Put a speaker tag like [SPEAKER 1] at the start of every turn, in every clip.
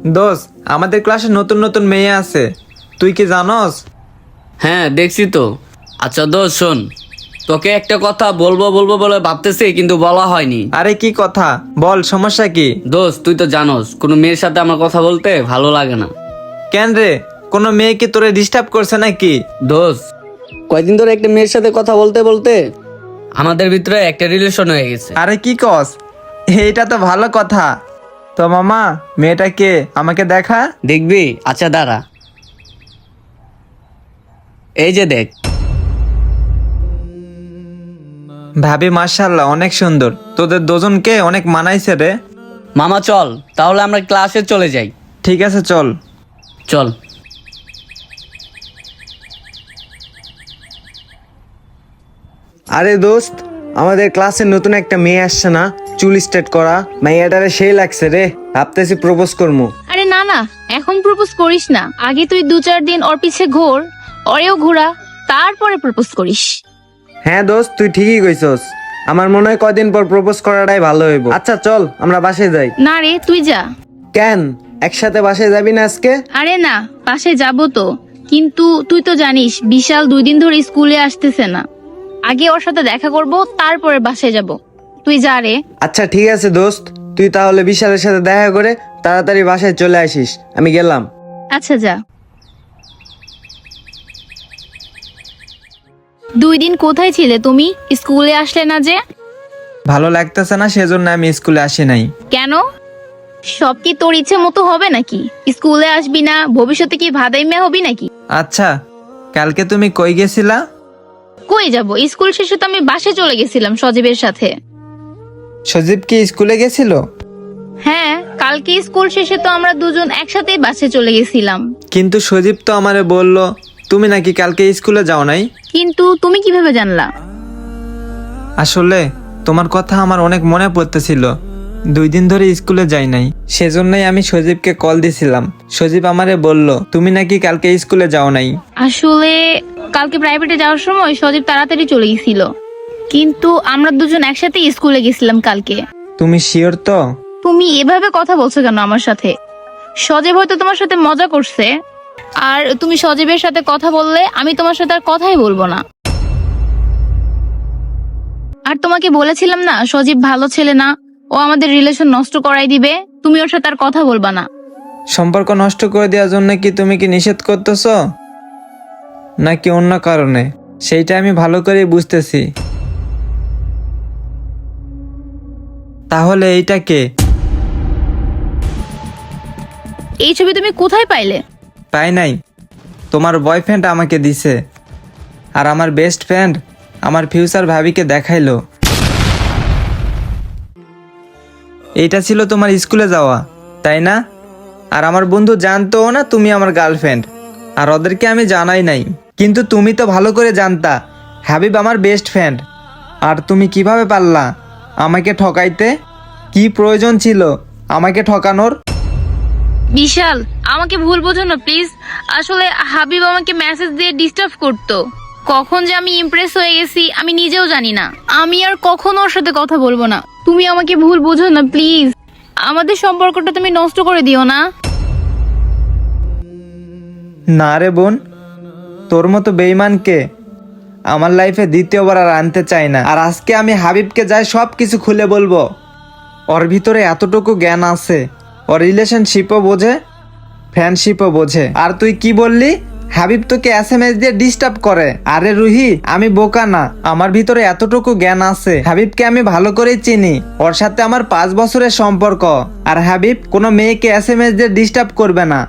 [SPEAKER 1] দোস্ত, আমাদের ক্লাসে নতুন নতুন মেয়ে আছে, তুই কি জানোস?
[SPEAKER 2] হ্যাঁ দেখছি তো। আচ্ছা দোস্ত শোন, তোকে একটা কথা বলবো বলবো বলে ভাবতেছি কিন্তু বলা হয়নি।
[SPEAKER 1] আরে কি কথা বল, সমস্যা কি?
[SPEAKER 2] দোস্ত তুই তো জানোস কোনো মেয়ের সাথে আমার কথা বলতে ভালো লাগে না।
[SPEAKER 1] কেন রে, কোনো মেয়ে কি তোরে ডিস্টার্ব করছে নাকি?
[SPEAKER 2] দোস্ত কয়দিন ধরে একটা মেয়ের সাথে কথা বলতে বলতে আমাদের ভিতরে একটা রিলেশন হয়ে গেছে।
[SPEAKER 1] আরে কি কস, এইটা তো ভালো কথা। তো মামা, মেয়েটা কে আমাকে দেখা।
[SPEAKER 2] দেখবি? আচ্ছা দাঁড়া, এই যে দেখ।
[SPEAKER 1] ভাবি মাশাআল্লাহ অনেক সুন্দর, তোদের দুজনকে অনেক মানাইছে রে।
[SPEAKER 2] মামা চল তাহলে আমরা ক্লাসে চলে যাই।
[SPEAKER 1] ঠিক আছে চল।
[SPEAKER 2] চল।
[SPEAKER 3] আরে দোস্ত, আমাদের ক্লাসে নতুন একটা মেয়ে আসছে না, চুল স্ট্রেট করা, মেয়েটারে সেই লাগছে রে, ভাবতেছি প্রপোজ করবো।
[SPEAKER 4] আরে না না, এখন প্রপোজ করিস না। আগে তুই 2-4 দিন ওর পিছে ঘোর, ওরেও ঘোরা, তারপরে প্রপোজ করিস।
[SPEAKER 3] হ্যাঁ দোস্ত, তুই ঠিকই কইছস। আমার মনে হয় কয়দিন পর প্রপোজ করাটাই ভালো হইব। আচ্ছা চল আমরা বাসায় যাই।
[SPEAKER 4] না রে, তুই যা।
[SPEAKER 3] কেন, একসাথে বাসায় যাবি না আজকে?
[SPEAKER 4] আরে না, পাশে যাব তো, কিন্তু তুই তো জানিস বিশাল 2 দিন ধরে স্কুলে আসতেছে না। আগে ওর সাথে দেখা করব, তারপরে বাসায় যাব। তুই যা রে।
[SPEAKER 3] আচ্ছা ঠিক আছে দোস্ত, তুই তাহলে বিশালের সাথে দেখা করে তাড়াতাড়ি বাসায় চলে আসিস, আমি গেলাম।
[SPEAKER 4] আচ্ছা যা। 2 দিন কোথায় ছিলে তুমি? স্কুলে আসলে না যে?
[SPEAKER 1] ভালো লাগতেছে না, সেজন্য আমি স্কুলে আসি নাই।
[SPEAKER 4] কেন? সব কি তোর ইচ্ছে মতো হবে নাকি? স্কুলে আসবি না, ভবিষ্যতে কি ভাদাই মেয়ে হবি নাকি?
[SPEAKER 1] আচ্ছা, কালকে তুমি কই গেছিলা?
[SPEAKER 4] কই যাব, স্কুল শেষে তো আমি বাসে চলে গেছিলাম সজীবের সাথে।
[SPEAKER 1] সজীব কি স্কুলে গেছিল?
[SPEAKER 4] হ্যাঁ, কালকে স্কুল শেষে তো আমরা দুজন একসাথেই বাসে চলে গেছিলাম।
[SPEAKER 1] কিন্তু সজীব তো আমারে বলল তুমি নাকি কালকে স্কুলে যাও নাই।
[SPEAKER 4] কিন্তু তুমি কিভাবে জানলা?
[SPEAKER 1] আসলে তোমার কথা আমার অনেক মনে পড়তেছিল, 2 দিন ধরে স্কুলে যাই নাই, সেজন্যই আমি সজীবকে কল দিছিলাম। সজীব আমারে বলল তুমি নাকি কালকে স্কুলে যাও নাই।
[SPEAKER 4] আসলে কালকে প্রাইভেটে যাওয়ার সময় সজীব তাড়াতাড়ি চলে গেছিল, কিন্তু আমরা দুজন একসাথেই স্কুলে গেছিলাম কালকে।
[SPEAKER 1] তুমি শিওর তো?
[SPEAKER 4] তুমি এভাবে কথা বলছো কেন আমার সাথে? সজীব হয়তো তোমার সাথে মজা করছে, আর তুমি সজীবের সাথে কথা বললে আমি তোমার সাথে আর কথাই বলবো না। আর তোমাকে বলেছিলাম না সজীব ভালো ছেলে না, ও আমাদের রিলেশন নষ্ট করাই দিবে, তুমি ওর সাথে আর কথা বলবা না।
[SPEAKER 1] সম্পর্ক নষ্ট করে দেওয়ার জন্য কি তুমি কি নিষেধ করতেছ নাকি অন্য কারণে, সেইটা আমি ভালো করেই বুঝতেছি। তাহলে এইটা কে?
[SPEAKER 4] এই ছবি তুমি কোথায় পাইলে?
[SPEAKER 1] পাই নাই, তোমার বয়ফ্রেন্ড আমাকে দিছে, আর আমার বেস্ট ফ্রেন্ড আমার ফিউচার ভাবিকে দেখাইলো। এইটা ছিল তোমার স্কুলে যাওয়া, তাই না? আর আমার বন্ধু জানতোও না তুমি আমার গার্লফ্রেন্ড, আর ওদেরকে আমি জানাই নাই। কিন্তু তুমি তো ভালো করে জানতা হাবিব আমার বেস্ট ফ্রেন্ড, আর তুমি কিভাবে পারলা আমাকে ঠকাইতে? কি প্রয়োজন ছিল আমাকে ঠকানোর?
[SPEAKER 4] বিশাল, আমাকে ভুল বোঝো না প্লিজ। আসলে হাবিব আমাকে মেসেজ দিয়ে ডিস্টার্ব করতো, কখন যে আমি ইমপ্রেস হয়ে গেছি আমি নিজেও জানি না। আমি আর কখনো ওর সাথে কথা বলবো না, তুমি আমাকে ভুল বোঝো না প্লিজ। আমাদের সম্পর্কটা তুমি নষ্ট করে দিও না।
[SPEAKER 1] না রে বোন, তোর মতো বেঈমানকে আমার লাইফে দ্বিতীয়বার আর আনতে চাই না। আর আজকে আমি হাবিবকে যাই সব কিছু খুলে বলবো। ওর ভিতরে এতটুকু জ্ঞান আছে, ওর রিলেশনশিপও বোঝে, ফ্রেন্ডশিপও বোঝে। আর তুই কি বললি হাবিব তোকে SMS দিয়ে ডিস্টার্ব করে? আরে রুহি, আমি বোকা না, আমার ভিতরে এতটুকু জ্ঞান আছে। হাবিবকে আমি ভালো করেই চিনি, ওর সাথে আমার 5 বছরের সম্পর্ক। আর হাবিব কোনো মেয়েকে SMS দিয়ে ডিস্টার্ব করবে না।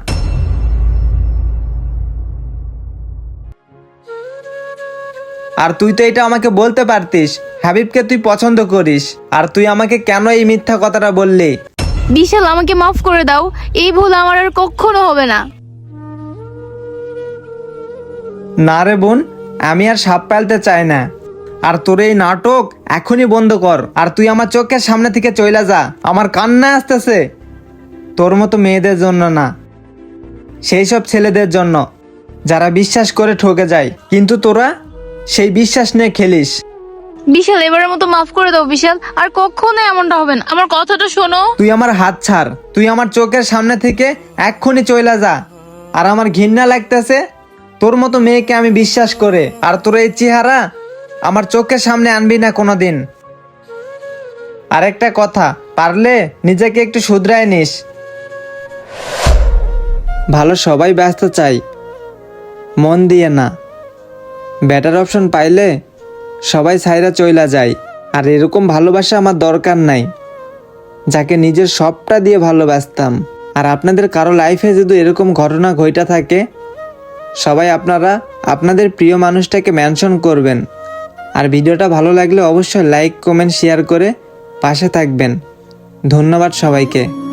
[SPEAKER 1] আর তুই তো এটা আমাকে বলতে পারতিস হাবিবকে তুই পছন্দ করিস, আর তুই আমাকে কেন এই মিথ্যা কথাটা বললি?
[SPEAKER 4] বিশাল, আমাকে মাফ করে দাও, এই ভুল আমার আর কখনো হবে না।
[SPEAKER 1] না রে বোন, আমি আর সাপ পালতে চাই না। আর তোর এই নাটক এখনই বন্ধ কর, আর তুই আমার চোখের সামনে থেকে চইলা যা। আমার কান্না আসতেছে, তোর মতো মেয়েদের জন্য না, সেই সব ছেলেদের জন্য যারা বিশ্বাস করে ঠকে যায়, কিন্তু তোরা সেই বিশ্বাস নিয়ে খেলিস।
[SPEAKER 4] বিশাল এবারের মতো মাফ করে দাও বিশাল, আর কখনো এমনটা হবে না, আমার কথাটা শোনো।
[SPEAKER 1] তুই আমার হাত ছাড়, তুই আমার চোখের সামনে থেকে এক্ষুনি চইলা যা। আর আমার ঘৃণা লাগতেছে তোর মতো মেয়েকে আমি বিশ্বাস করে, আর তোর এই চেহারা আমার চোখের সামনে আনবি না কোনোদিন। আরেকটা কথা, পারলে নিজেকে একটু শুধরায় নিস। ভালো সবাই ব্যস্ত চাই, মন দিয়ে না। বেটার অপশন পাইলে সবাই ছাইরা চইলা যায়। আর এরকম ভালোবাসা আমার দরকার নাই, যাকে নিজের সবটা দিয়ে ভালোবাসতাম। আর আপনাদের কারো লাইফে যদি এরকম ঘটনা ঘইটা থাকে, সবাই আপনারা আপনাদের প্রিয় মানুষটাকে মেনশন করবেন। আর ভিডিওটা ভালো লাগলে অবশ্যই লাইক কমেন্ট শেয়ার করে পাশে থাকবেন। ধন্যবাদ সবাইকে।